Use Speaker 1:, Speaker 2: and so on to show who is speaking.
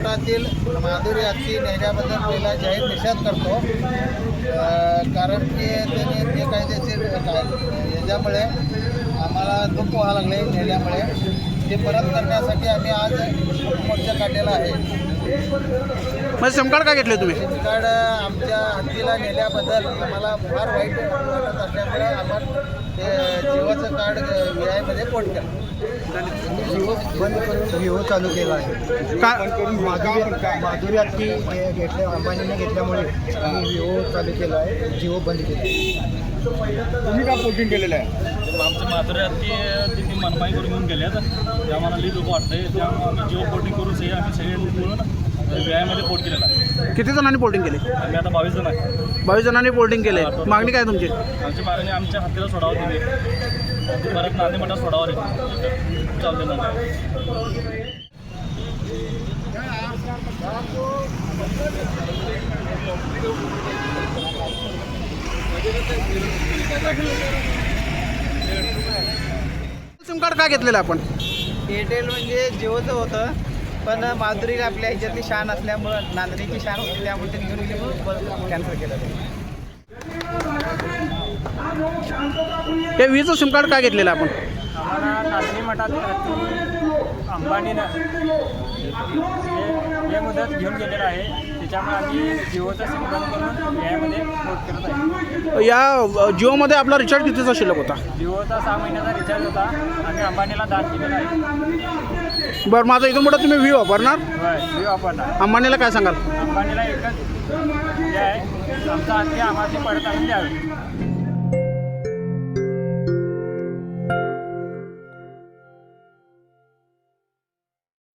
Speaker 1: कोकणातील माधुरी हत्ती नेण्याबद्दल पहिला जाहीर निषेध करतो. कारण की त्यांनी बेकायदेशीर याच्यामुळे आम्हाला दुःख व्हावं लागले नेल्यामुळे. ते परत करण्यासाठी आम्ही आज मोर्चा काढलेला आहे.
Speaker 2: मग सिम कार्ड का घेतले तुम्ही?
Speaker 1: सिम कार्ड आमच्या हत्तीला नेल्याबद्दल आम्हाला फार वाईट वाटत असल्यामुळे आपण ते जिओचं कार्ड VIमध्ये पोर्ट केलं.
Speaker 3: जिओ बंद करून विवो चालू केला आहे.
Speaker 2: का
Speaker 3: माधुरी हत्ती घेतल्या अंबानीने घेतल्यामुळे आम्ही विवो चालू केला आहे, जिओ बंद केला आहे.
Speaker 4: तुम्ही का पोर्टिंग केलेलं आहे?
Speaker 5: आमच्या माधुरी हत्ती तिथे मनमाई करून घेऊन गेल्यात. ते आम्हाला लई दुःख वाटतंय. त्यामुळे आम्ही जिओ पोर्टिंग करून आम्ही सगळे मिळून VIमध्ये पोर्ट केलेला आहे.
Speaker 2: किती जणांनी पोर्टिंग केले?
Speaker 5: आम्ही आता 22 जण आहे.
Speaker 2: 22 जणांनी पोर्टिंग केले. मागणी काय तुमची?
Speaker 5: आमची मागणी आमच्या हत्तीला सोडावं तुम्ही, परत नांदी मठात सोडावं रे चालते ना.
Speaker 2: सिम कार्ड का घेतलेलं आपण?
Speaker 1: एअरटेल म्हणजे जिओचं होतं, पण माधुरीला आपल्या ह्याच्यातली शान असल्यामुळं, नांदणीची शान होती त्यामुळे त्यांनी घेऊन गेल्यामुळे कॅन्सल केलं.
Speaker 2: हे वीजचं सिम कार्ड का घेतलेलं आपण?
Speaker 6: आम्हाला नांदणी मठात अंबानीनं हे मुदत घेऊन गेलेलं आहे. त्याच्यामुळे आम्ही जिओचा सिम बंद करून VIमध्ये पोर्ट करत आहे.
Speaker 2: या जिओमध्ये आपला रिचार्ज कितीचा शिल्लक होता?
Speaker 6: जिओचा 6 महिन्याचा रिचार्ज होता. आम्ही अंबानीला दान केलेला आहे.
Speaker 2: बरं, माझं इथून पुढे तुम्ही व्ही वापरणार?
Speaker 6: जिओ वापरणार.
Speaker 2: अंबानीला काय सांगाल?
Speaker 6: अंबानीला एकच हे आहे, आमचा हत्ती आम्हाला परत आणून द्यावे.